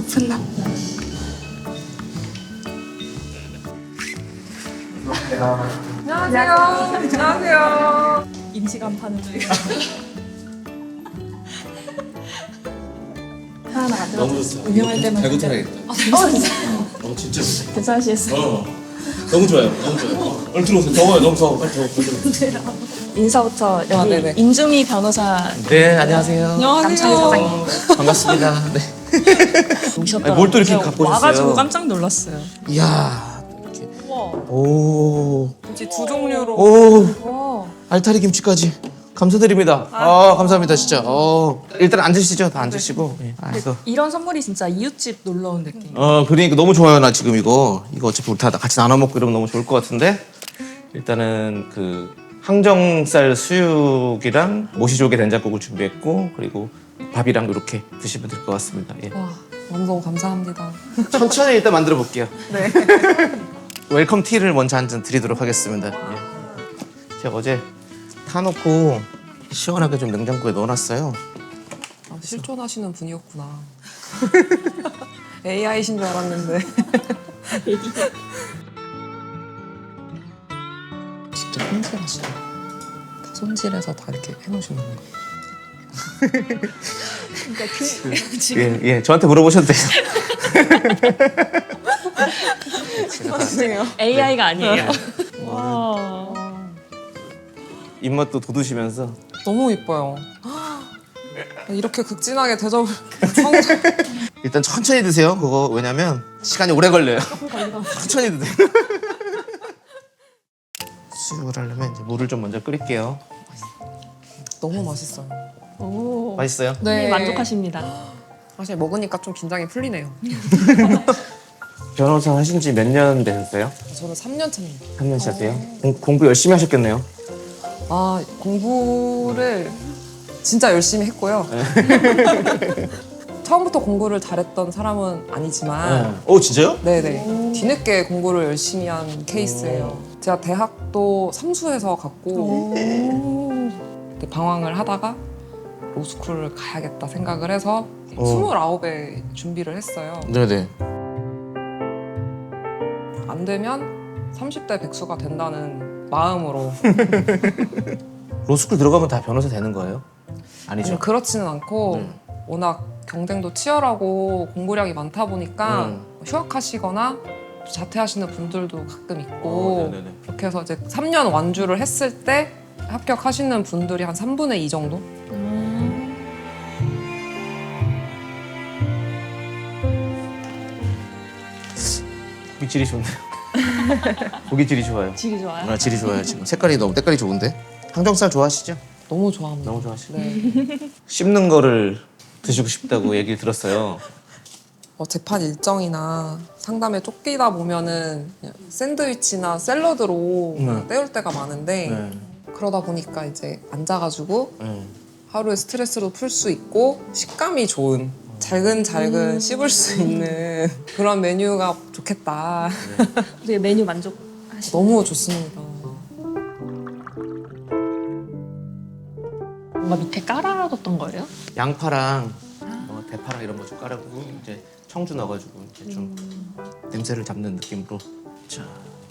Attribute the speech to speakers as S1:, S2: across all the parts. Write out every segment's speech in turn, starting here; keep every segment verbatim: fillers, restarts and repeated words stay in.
S1: 오픈남.
S2: 안녕하세요. 안녕하세요.
S1: 임시간 파는 중. 하나 안 들어.
S3: 너무 좋다.
S1: 운영할 때만
S3: 잘
S1: 진짜-
S3: 못하겠다.
S1: 아, 진짜.
S3: 어, 진짜 좋다.
S1: 괜찮으시겠어요?
S3: 어, 너무 좋아요. 너무 좋아요. 어, 얼른 들어오세요. 더워요. 너무 더워. 빨리 더워. 빨리 들어오세요.
S1: 인사부터 여기
S2: 아, 네네.
S1: 임주미 변호사
S4: 네, 안녕하세요.
S1: 남창희 사장님
S4: 반갑습니다. 네.
S1: 오셨더라고요.
S4: 뭘 또 이렇게
S1: 제가
S4: 갖고 오셨어요?
S1: 와가지고 깜짝 놀랐어요.
S4: 이야, 이렇게.
S1: 우와.
S4: 오,
S2: 김치 두 종류로.
S4: 오,
S1: 와.
S4: 알타리 김치까지. 감사드립니다. 아, 감사합니다, 진짜. 어, 일단 앉으시죠. 다 앉으시고. 네. 아, 이거.
S1: 이런 선물이 진짜 이웃집 놀러 온 느낌.
S4: 어, 그러니까 너무 좋아요, 나 지금 이거. 이거 어차피 우리 다 같이 나눠 먹고 이러면 너무 좋을 것 같은데. 일단은 그 항정살 수육이랑 모시조개 된장국을 준비했고, 그리고 밥이랑 이렇게 드시면 될 것 같습니다. 예.
S2: 와, 너무 감사합니다.
S4: 천천히 일단 만들어 볼게요.
S2: 네.
S4: 웰컴 티를 먼저 한 잔 드리도록 하겠습니다. 예. 제가 어제 타놓고 시원하게 좀 냉장고에 넣어놨어요.
S2: 아, 실존하시는 분이었구나. 에이아이신 줄 알았는데. 직접 손질하시네. 다 손질해서 다 이렇게 해놓으시는 건가요?
S1: 그러니까 그, 지금
S4: 예, 예, 저한테 물어보셔도 돼요.
S2: 죄송해요.
S1: 에이아이가 아니에요. 와.
S4: 입맛도 돋우시면서
S2: 너무 이뻐요. 이렇게 극진하게 대접을 성장.
S4: 일단 천천히 드세요. 그거 왜냐면 시간이 오래 걸려요. 천천히 드세요. 수육을 하려면 이제 물을 좀 먼저 끓일게요.
S2: 너무 맛있어요.
S1: 오.
S4: 맛있어요?
S1: 네. 만족하십니다.
S2: 사실 먹으니까 좀 긴장이 풀리네요.
S4: 변호사 하신 지 몇 년 되셨어요?
S2: 저는 삼 년 차입니다.
S4: 삼 년 차세요? 공, 공부 열심히 하셨겠네요.
S2: 아, 공부를 진짜 열심히 했고요. 처음부터 공부를 잘했던 사람은 아니지만
S4: 어, 진짜요?
S2: 네네 뒤늦게 공부를 열심히 한 케이스예요. 제가 대학도 삼수해서 갔고 그때 방황을 하다가 로스쿨을 가야겠다 생각을 해서
S4: 어.
S2: 스물아홉에 준비를 했어요.
S4: 네네.
S2: 안 되면 삼십 대 백수가 된다는 마음으로.
S4: 로스쿨 들어가면 다 변호사 되는 거예요? 아니죠?
S2: 아니, 그렇지는 않고
S4: 네.
S2: 워낙 경쟁도 치열하고 공부량이 많다 보니까
S4: 음.
S2: 휴학하시거나 자퇴하시는 분들도 가끔 있고
S4: 어, 네네네.
S2: 그렇게 해서 이제 삼 년 완주를 했을 때 합격하시는 분들이 한 삼분의 이 정도?
S1: 음.
S4: 고기 질이 좋네요. 고기 질이 좋아요.
S1: 질이 좋아요.
S4: 아, 질이 좋아요 지금. 색깔이 너무 때깔이 좋은데. 항정살 좋아하시죠?
S2: 너무 좋아합니다.
S4: 너무 좋아하시네.
S2: 네.
S4: 씹는 거를 드시고 싶다고 얘기를 들었어요.
S2: 어, 재판 일정이나 상담에 쫓기다 보면은 그냥 샌드위치나 샐러드로
S4: 네.
S2: 때울 때가 많은데
S4: 네.
S2: 그러다 보니까 이제 앉아가지고
S4: 네.
S2: 하루의 스트레스도 풀 수 있고 식감이 좋은 잘근잘근
S1: 음.
S2: 씹을 수 있는 그런 메뉴가 좋겠다.
S1: 되게 메뉴 만족하시.
S2: 너무 좋습니다.
S1: 뭔가 밑에 깔아뒀던 거예요?
S4: 양파랑 어, 대파랑 이런 거 좀 깔아고 이제 청주 넣어가지고 이렇게 좀 냄새를 잡는 느낌으로. 자,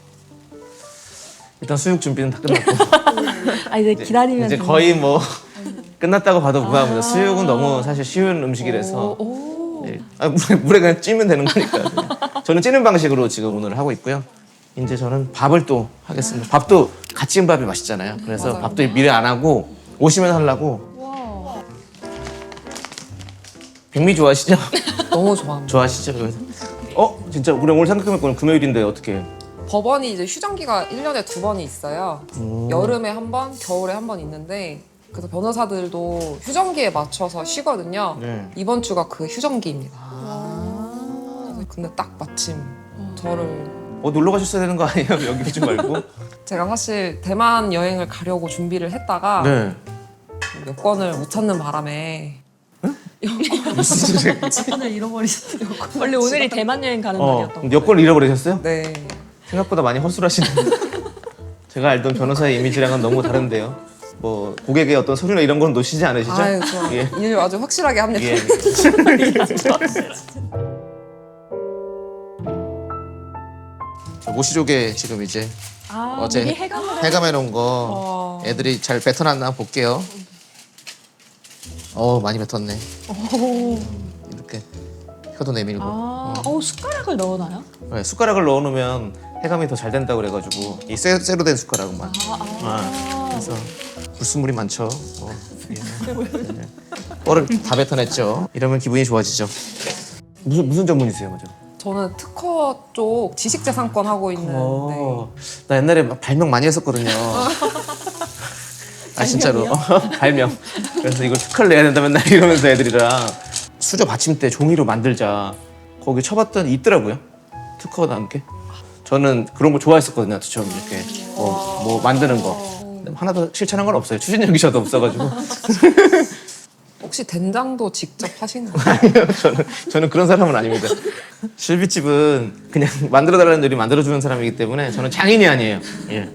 S4: 일단 수육 준비는 다 끝났고
S1: 아 이제 기다리면
S4: 이제
S1: 되는
S4: 거의 뭐 끝났다고 봐도 무방합니다. 수육은 너무 사실 쉬운 음식이라서
S2: 오, 오.
S4: 네. 아, 물에, 물에 그냥 찌면 되는 거니까. 그냥. 저는 찌는 방식으로 지금 오늘 하고 있고요. 이제 저는 밥을 또 하겠습니다. 밥도 갓 지은 밥이 맛있잖아요. 그래서
S2: 맞아요.
S4: 밥도 미리 안 하고 오시면 하려고.
S1: 와.
S4: 백미 좋아하시죠?
S2: 너무 좋아합니다.
S4: 좋아하시죠? 그래서. 어? 진짜 우리 오늘 생각해보면 금요일인데 어떻게?
S2: 법원이 이제 휴정기가 일 년에 두 번이 있어요.
S4: 음.
S2: 여름에 한 번, 겨울에 한 번 있는데 그래서 변호사들도 휴정기에 맞춰서 쉬거든요.
S4: 네.
S2: 이번 주가 그 휴정기입니다.
S1: 아.
S2: 그래서 근데 딱 마침 저를
S4: 어 놀러 가셨어야 되는 거 아니에요? 여기 오지 말고.
S2: 제가 사실 대만 여행을 가려고 준비를 했다가
S4: 네.
S2: 여권을 못 찾는 바람에
S4: 무슨 소리?
S1: 오늘 잃어버리셨어요. 원래 오늘이 대만 여행 가는
S4: 어,
S1: 날이었던 거예요.
S4: 여권을 잃어버리셨어요?
S2: 네.
S4: 생각보다 많이 허술하시네. 제가 알던 변호사의 이미지랑은 너무 다른데요. 뭐 고객의 어떤 서류나 이런 건 놓치지 않으시죠?
S2: 아유, 저
S4: 예.
S2: 일 아주 확실하게 합니다.
S4: 예. 저 모시조개 지금 이제
S1: 아,
S4: 어제
S1: 미리 해감을
S4: 해감해 놓은 거
S2: 와.
S4: 애들이 잘 뱉어놨나 볼게요. 어 많이 뱉었네.
S1: 오.
S4: 이렇게 혀도 내밀고.
S1: 아, 어, 숟가락을 넣어놔요?
S4: 네, 숟가락을 넣어놓으면 해감이 더 잘 된다고 그래가지고 이 쇠, 쇠로 된 숟가락만.
S1: 아, 아.
S4: 그래서 불순물이 많죠. 어, 예. 네. 뻘을 다 뱉어냈죠. 이러면 기분이 좋아지죠. 무슨 무슨 전문이세요, 먼저?
S2: 저는 특허 쪽 지식재산권 하고 있는 네.
S4: 어, 나 옛날에 막 발명 많이 했었거든요. 아 진짜로 발명. 그래서 이걸 특허를 내야 된다 맨날 이러면서 애들이랑 수저 받침대 종이로 만들자 거기 쳐봤더니 있더라고요. 특허가 나온 게. 저는 그런 거 좋아했었거든요. 저처럼 이렇게 뭐, 뭐 만드는 거. 하나도 실천한 건 없어요. 추진력이 저도 없어가지고.
S2: 혹시 된장도 직접 하시는 거예요?
S4: 아니요, 저는 저는 그런 사람은 아닙니다. 실비집은 그냥 만들어달라는 요리 만들어주는 사람이기 때문에 저는 장인이 아니에요. 예.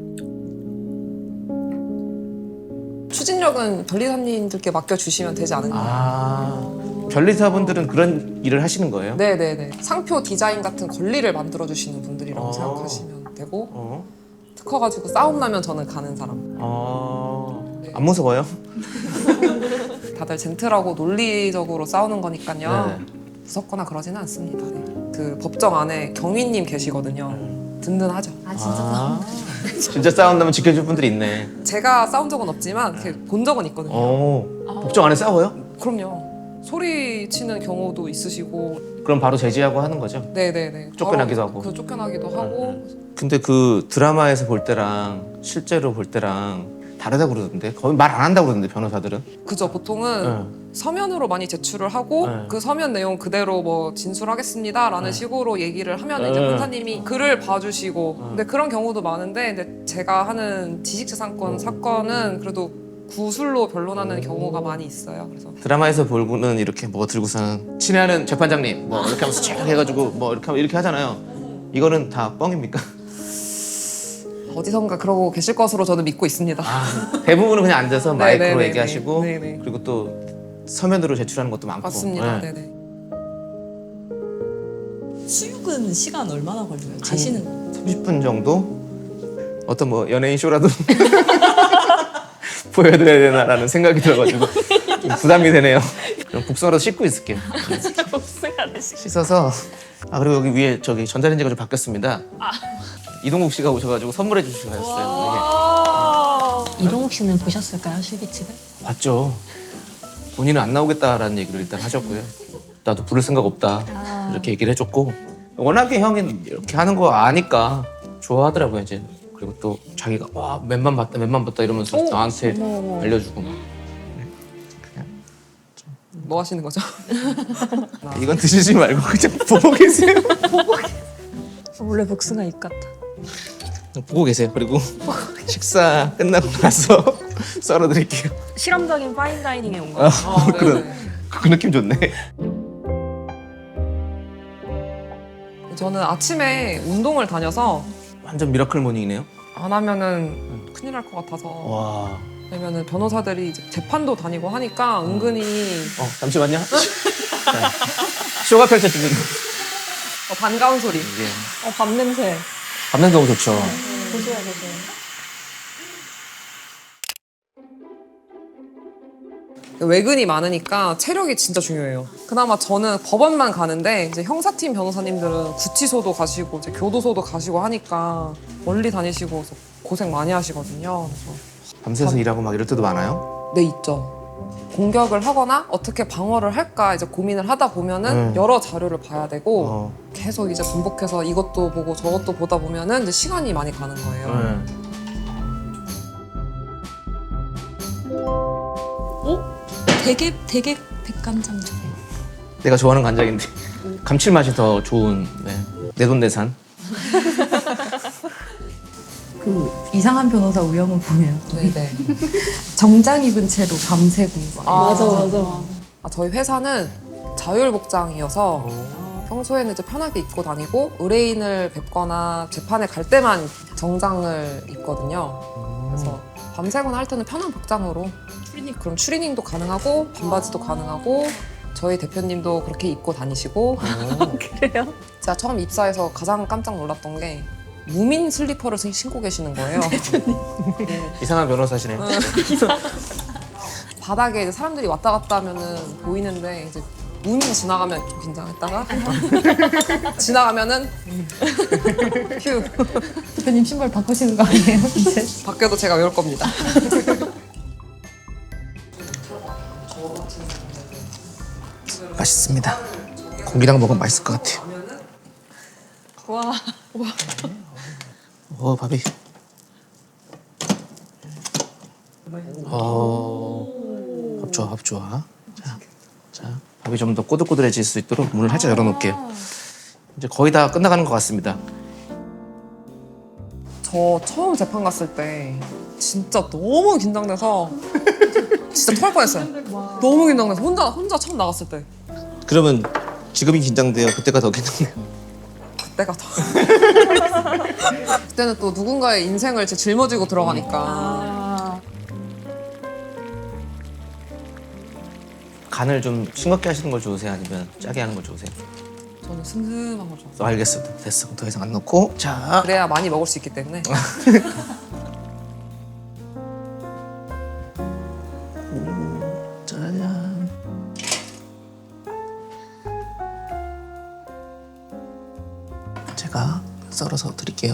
S2: 추진력은 변리사님들께 맡겨주시면 되지 않을까.
S4: 아, 변리사분들은 그런 일을 하시는 거예요?
S2: 네네네. 상표 디자인 같은 권리를 만들어주시는 분들이라고
S4: 어.
S2: 생각하시면 되고
S4: 어?
S2: 특허 가지고 싸움 나면 저는 가는 사람.
S4: 어... 안 무서워요?
S2: 다들 젠틀하고 논리적으로 싸우는 거니까요.
S4: 네.
S2: 무섭거나 그러지는 않습니다. 네. 그 법정 안에 경위님 계시거든요. 든든하죠.
S1: 아, 진짜
S4: 아, 진짜 싸운다면 지켜줄 분들이 있네.
S2: 제가 싸운 적은 없지만 이렇게 본 적은 있거든요.
S4: 어, 법정 안에 싸워요?
S2: 그럼요. 소리 치는 경우도 있으시고,
S4: 그럼 바로 제지하고 하는 거죠?
S2: 네네네.
S4: 쫓겨나기도
S2: 바로
S4: 하고.
S2: 그 쫓겨나기도 하고.
S4: 근데 그 드라마에서 볼 때랑 실제로 볼 때랑 다르다고 그러던데 거의 말 안 한다고 그러던데 변호사들은.
S2: 그죠. 보통은
S4: 네.
S2: 서면으로 많이 제출을 하고
S4: 네.
S2: 그 서면 내용 그대로 뭐 진술하겠습니다라는
S4: 네.
S2: 식으로 얘기를 하면 이제
S4: 네.
S2: 판사님이 글을 봐주시고. 근데 그런 경우도 많은데, 근데 제가 하는 지식재산권 사건은 그래도 구술로 변론하는 경우가 많이 있어요. 그래서
S4: 드라마에서 보고는 이렇게 뭐 들고서는 친애하는 재판장님 뭐 이렇게 하면서 쫙 해가지고 뭐 이렇게 하면 이렇게 하잖아요. 이거는 다 뻥입니까?
S2: 어디선가 그러고 계실 것으로 저는 믿고 있습니다.
S4: 아, 대부분은 그냥 앉아서 마이크로
S2: 네네네네.
S4: 얘기하시고
S2: 네네.
S4: 그리고 또 서면으로 제출하는 것도 많고.
S2: 맞습니다.
S4: 네.
S2: 네네.
S1: 수육은 시간 얼마나 걸려요? 재시는
S4: 삼십 분 정도? 어떤 뭐 연예인 쇼라도 보여드려야 되나라는 생각이 들어가지고 좀 부담이 되네요. 그럼 국수라도 씻고 있을게요. 씻어서. 아 그리고 여기 위에 저기 전자레인지가 좀 바뀌었습니다. 이동국 씨가 오셔가지고 선물해 주시고 가셨어요.
S1: 이동욱 씨는 보셨을까요, 실비집을?
S4: 이게. 봤죠. 본인은 안 나오겠다라는 얘기를 일단 하셨고요. 나도 부를 생각 없다
S1: 아.
S4: 이렇게 얘기를 해줬고 워낙에 형이 이렇게 하는 거 아니까 좋아하더라고요 이제. 그리고 또 자기가 와 맨만 봤다 맨만 봤다 이러면서
S2: 오,
S4: 나한테
S2: 어머, 어머.
S4: 알려주고 막.
S2: 뭐 하시는 거죠?
S4: 이건 드시지 말고 그냥 보고 계세요.
S1: 원래 복숭아 입 같아.
S4: 보고 계세요. 그리고 식사 끝나고 나서 썰어드릴게요.
S1: 실험적인 파인다이닝에 온
S4: 아,
S1: 거야.
S2: 아,
S4: 그런
S2: 네네.
S4: 그 느낌 좋네.
S2: 저는 아침에 운동을 다녀서
S4: 완전 미라클 모닝이네요.
S2: 안 하면은 큰일 날 것 같아서.
S4: 와.
S2: 왜냐면은 변호사들이 이제 재판도 다니고 하니까 은근히
S4: 어 잠시만요. 자, 쇼가 펼쳐지는.
S2: 어, 반가운 소리.
S4: 이게
S1: 어, 밥 냄새.
S4: 밤냄새 너무 좋죠.
S1: 보세요, 보세요.
S2: 외근이 많으니까 체력이 진짜 중요해요. 그나마 저는 법원만 가는데 이제 형사팀 변호사님들은 구치소도 가시고 이제 교도소도 가시고 하니까 멀리 다니시고 그래서 고생 많이 하시거든요. 그래서
S4: 밤새서 일하고 막 이럴 때도 많아요.
S2: 네, 있죠. 공격을 하거나 어떻게 방어를 할까 이제 고민을 하다 보면은
S4: 음.
S2: 여러 자료를 봐야 되고
S4: 어.
S2: 계속 이제 반복해서 이것도 보고 저것도 보다 보면은 이제 시간이 많이 가는 거예요.
S4: 네.
S1: 어? 되게, 되게 백간장전.
S4: 내가 좋아하는 간장인데 감칠맛이 더 좋은 네. 내돈내산.
S5: 그 이상한 변호사 우영우 보면
S2: 네네.
S5: 정장 입은 채로 밤새고
S2: 아,
S1: 맞아, 맞아.
S2: 아, 저희 회사는 자율복장이어서 평소에는 이제 편하게 입고 다니고 의뢰인을 뵙거나 재판에 갈 때만 정장을 입거든요. 그래서 밤새거나 할 때는 편한 복장으로 추리닝, 그럼 추리닝도 가능하고 반바지도 가능하고 저희 대표님도 그렇게 입고 다니시고
S1: 그래요?
S2: 제가 처음 입사해서 가장 깜짝 놀랐던 게 무민 슬리퍼를 신- 신고 계시는 거예요.
S4: 이상한 변호사시네요.
S2: 바닥에 이제 사람들이 왔다 갔다 하면은 보이는데 이제 무민 지나가면 좀 긴장했다가 지나가면은 휴
S5: 대표님 신발 바꾸시는 거 아니에요? 이제?
S2: 바뀌어도 제가 외울 겁니다.
S4: 맛있습니다. 고기랑 먹으면 맛있을 것 같아요.
S2: 와
S4: 어, 밥이. 어, 밥 좋아, 밥 좋아. 자, 자, 밥이 좀 더 꼬들꼬들해질 수 있도록 문을 살짝 열어놓을게요. 이제 거의 다 끝나가는 것 같습니다.
S2: 저 처음 재판 갔을 때 진짜 너무 긴장돼서 진짜 토할 뻔했어요. 너무 긴장돼서 혼자 혼자 처음 나갔을 때
S4: 그러면 지금이 긴장돼요? 그때가 더 긴장돼요?
S2: 그때가 더 그때는 또 누군가의 인생을 제 짊어지고 들어가니까
S4: 간을 좀 싱겁게 하시는 걸 좋으세요? 아니면 짜게 하는 걸 좋으세요?
S2: 저는 슴슴한 걸 좋아해요.
S4: 어, 알겠습니다. 됐어. 그럼 더 이상 안 넣고. 자,
S2: 그래야 많이 먹을 수 있기 때문에
S4: 짜잔. 제가 썰어서 드릴게요.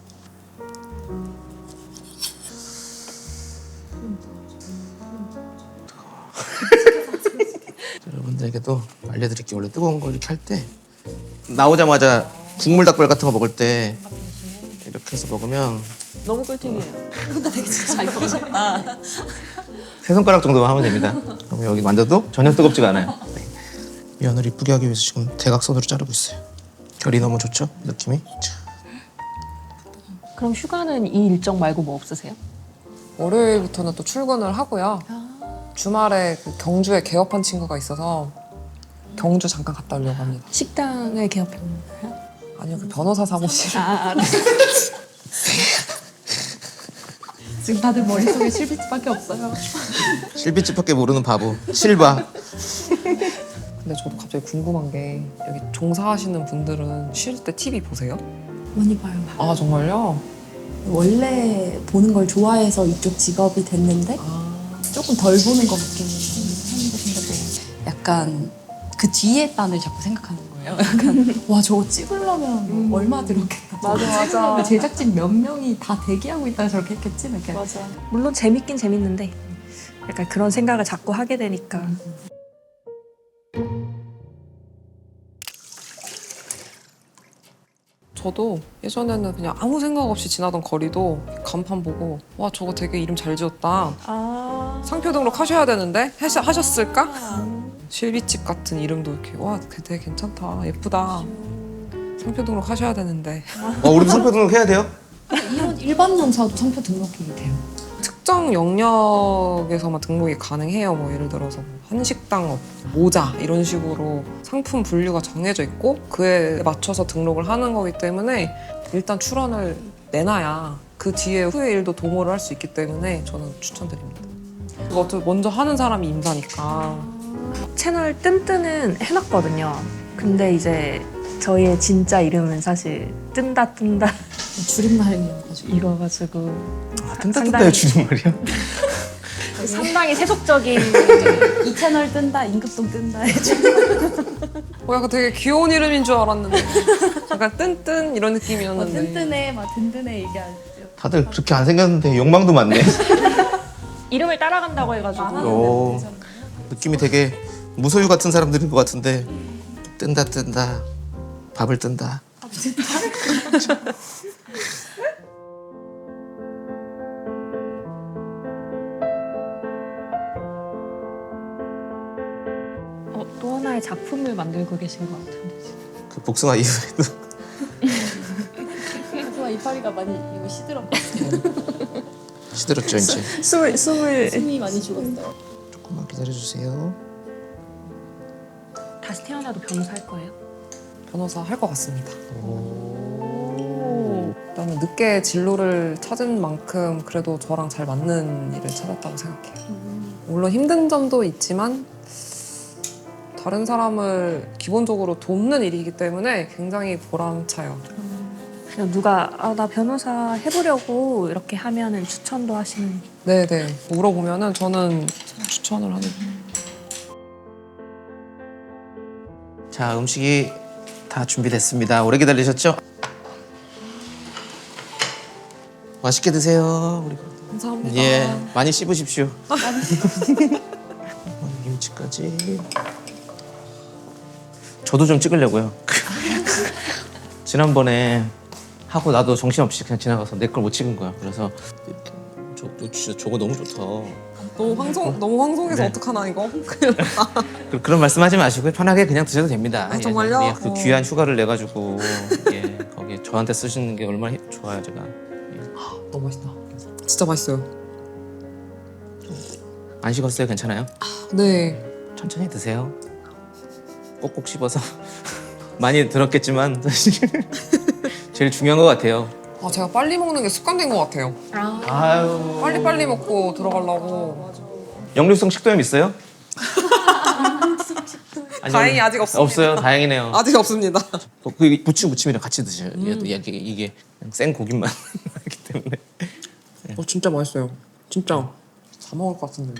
S4: 여러분들에게도 알려드릴게요. 원래 뜨거운 거 이렇게 할 때 나오자마자 국물 닭발 같은 거 먹을 때 이렇게 해서 먹으면
S1: 너무 꿀팁이에요. 근데 되게 진짜 잘 먹으셨다.
S4: 세 손가락 정도만 하면 됩니다. 그럼 여기 만져도 전혀 뜨겁지가 않아요. 네. 면을 이쁘게 하기 위해서 지금 대각선으로 자르고 있어요. 결이 너무 좋죠? 느낌이? 자,
S1: 그럼 휴가는 이 일정 말고 뭐 없으세요?
S2: 월요일부터는 또 출근을 하고요. 주말에 그 경주에 개업한 친구가 있어서 경주 잠깐 갔다 오려고 합니다.
S1: 식당을 개업했나요?
S2: 아니요, 그 변호사 사무실.
S1: 아, 알았어요.
S5: 지금 다들 머릿속에 실비집밖에 없어요.
S4: 실비집밖에 모르는 바보. 실바.
S2: 근데 저도 갑자기 궁금한 게 여기 종사하시는 분들은 쉴 때 티비 보세요?
S5: 많이 봐요.
S2: 아 정말요?
S5: 원래 보는 걸 좋아해서 이쪽 직업이 됐는데
S2: 아,
S5: 조금 덜 보는 것 같긴 한데 근데 약간 그 뒤에 단을 자꾸 생각하는 거예요. 약간 와 저거 찍으려면 뭐 얼마 들었겠다.
S1: 맞아,
S5: 저거
S1: 맞아.
S5: 찍으려면 제작진 몇 명이 다 대기하고 있다가 저렇게 했겠지. 이렇게.
S1: 맞아. 물론 재밌긴 재밌는데 약간 그런 생각을 자꾸 하게 되니까.
S2: 저도 예전에는 그냥 아무 생각 없이 지나던 거리도 간판 보고 와 저거 되게 이름 잘 지었다.
S1: 아.
S2: 상표 등록 하셔야 되는데 하셔, 하셨을까? 실비집 같은 이름도 이렇게 와 되게 괜찮다 예쁘다. 상표 등록 하셔야 되는데
S4: 어, 우리도 상표 등록해야 돼요?
S5: 이런 일반 영사도 상표 등록이 돼요.
S2: 특정 영역에서만 등록이 가능해요. 뭐 예를 들어서 뭐 한식당업, 모자 이런 식으로 상품 분류가 정해져 있고 그에 맞춰서 등록을 하는 거기 때문에 일단 출원을 내놔야 그 뒤에 후의 일도 도모를 할 수 있기 때문에 저는 추천드립니다. 그거 어차피 먼저 하는 사람이 임사니까.
S1: 채널 뜬뜨는 해놨거든요. 근데 이제 저희의 진짜 이름은 사실 뜬다 뜬다
S5: 줄임말이어가지고.
S1: 이거가지고
S4: 아, 뜬다뜬다의 줄임말이야?
S1: 상당히 세속적인
S5: 이 채널 뜬다, 임급동 뜬다.
S2: 어, 약간 되게 귀여운 이름인 줄 알았는데 약간 뜬뜬 이런 느낌이었는데
S5: 든든해, 막 든든해 얘기하죠.
S4: 다들 그렇게 안 생겼는데 욕망도 많네.
S1: 이름을 따라간다고 해가지고
S4: 오, 느낌이 되게 무소유 같은 사람들인 것 같은데 뜬다 뜬다 밥을 뜬다.
S1: 어, 또 하나의 작품을 만들고 계신 것 같은데 지금.
S4: 그 복숭아 이후에도
S5: 그래서 이파리가 많이 이거 시들었거든요.
S4: 시들었죠 이제.
S1: 숨을 숨을
S5: 숨이 많이 죽었어요.
S4: 조금만 기다려주세요.
S1: 다시 태어나도 변호사 할 거예요?
S2: 변호사 할 것 같습니다. 일단은 늦게 진로를 찾은 만큼 그래도 저랑 잘 맞는 일을 찾았다고 생각해요. 물론 힘든 점도 있지만 더 다른 사람을 기본적으로 돕는 일이기 때문에 굉장히 보람차요.
S1: 그냥 누가 아, 나 변호사 해보려고 이렇게 하면은 추천도 하시는.
S2: 네네. 물어보면은 저는 추천을 하는.
S4: 자, 음식이 다 준비됐습니다. 오래 기다리셨죠? 맛있게 드세요. 우리.
S2: 감사합니다.
S4: 예, 많이 씹으십시오. 김치까지. 저도 좀 찍으려고요. 지난번에 하고 나도 정신없이 그냥 지나가서 내 걸 못 찍은 거야. 그래서 저, 저 진짜 저거 너무 좋다.
S2: 너무 황송, 너무 황송해서
S4: 네.
S2: 어떡하나 이거?
S4: 그, 그런 말씀하지 마시고 편하게 그냥 드셔도 됩니다.
S2: 아, 정말요?
S4: 예, 그
S2: 어.
S4: 귀한 휴가를 내 가지고 예, 거기 저한테 쓰시는 게 얼마나 히- 좋아요, 제가.
S2: 너무 맛있다. 진짜 맛있어요.
S4: 안 식었어요? 괜찮아요?
S2: 네.
S4: 천천히 드세요. 꼭꼭 씹어서 많이 들었겠지만 사실 제일 중요한 것 같아요.
S2: 아, 제가 빨리 먹는 게 습관된 것 같아요.
S4: 아유.
S2: 빨리빨리 먹고 들어가려고.
S4: 역류성 식도염 있어요? 아니요.
S2: 다행히 아직 없습니다.
S4: 없어요. 다행이네요.
S2: 아직 없습니다.
S4: 어, 그 부침 부침이랑 같이 드셔요. 얘도 이게, 이게 그냥 생 고기만 하기 때문에.
S2: 어, 진짜 맛있어요. 진짜. 다 먹을 것 같은데.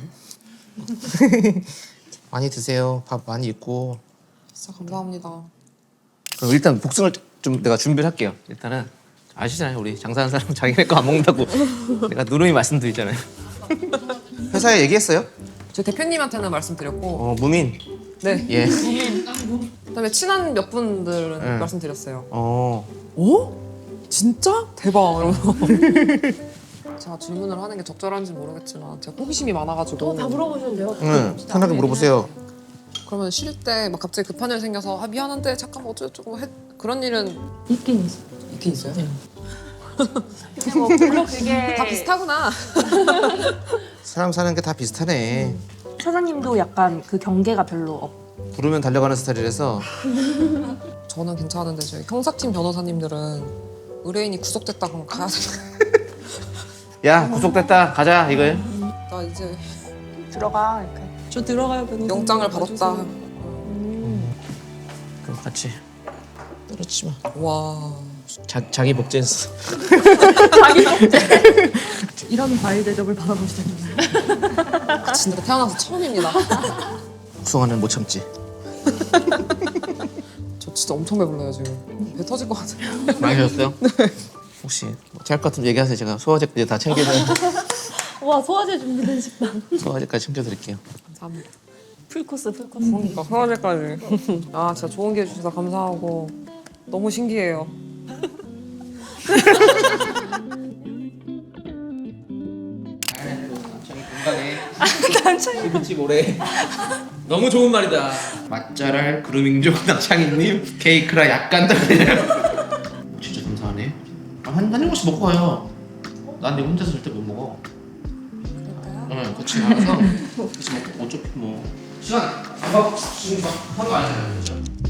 S4: 많이 드세요. 밥 많이 있고.
S2: 진짜 감사합니다.
S4: 그럼 일단 복숭아를 좀 내가 준비를 할게요. 일단은 아시잖아요. 우리 장사하는 사람 자기네 거 안 먹는다고 내가 누누이 말씀드리잖아요. 회사에 얘기했어요?
S2: 제 대표님한테는 말씀드렸고,
S4: 어, 무민.
S2: 네.
S4: 예.
S2: 그다음에 친한 몇 분들은
S4: 네.
S2: 말씀드렸어요.
S4: 어.
S2: 어? 진짜? 대박. 이러면서. 제가 질문을 하는 게 적절한지 모르겠지만 제가 호기심이 많아가지고.
S5: 다 물어보셨는데요?
S4: 응. 편하게 물어보세요.
S2: 그러면 쉴 때 막 갑자기 급한 일 생겨서 아 미안한데 잠깐 어쩌고저쩌고 해 그런 일은
S5: 있긴 있어요.
S2: 있긴 있어요?
S1: 뭐 물론 그게
S2: 다 비슷하구나.
S4: 사람 사는 게 다 비슷하네.
S1: 사장님도 약간 그 경계가 별로 없.
S4: 부르면 달려가는 스타일이라서.
S2: 저는 괜찮은데 저희 형사팀 변호사님들은 의뢰인이 구속됐다 그러면 가야 돼.
S4: 야, 구속됐다. 가자 이거예요.
S2: 나 이제
S1: 들어가 이렇게.
S5: 저 들어가요, 변호사님.
S2: 영장을 받았다.
S4: 그럼 같이 떨어지지 마.
S2: 와.
S4: 자, 자기 복제했어.
S5: 이런 과일 대접을 받아보시다니.
S2: 진짜 태어나서 처음입니다.
S4: 복숭아는 못 참지.
S2: 저 진짜 엄청 배불러요 지금. 배 터질 것 같아요.
S4: 많이 드셨어요? 네. 혹시 짤 것 같으면 얘기하세요. 제가 소화제까지 다 챙겨서
S5: 와, 소화제 준비된 식당.
S4: 소화제까지 챙겨드릴게요.
S2: 감사합니다.
S5: 풀코스, 풀코스.
S2: 그러니까 소화제까지. 아 진짜 좋은 게 해주셔서 감사하고 너무 신기해요.
S4: 시부집 오래. 너무 좋은 말이다. 맛잘알 그루밍족 낙창이님 케이크라 약간 달래요. 진짜 감사하네. 아, 한, 한 입씩 먹고 가요. 난 이거 혼자서 절대 못 먹어. 응, 같이 알아서 같이 먹고 어차피 뭐 시간 안 봐. 지금 막 하는 거 아니잖아요. 그죠?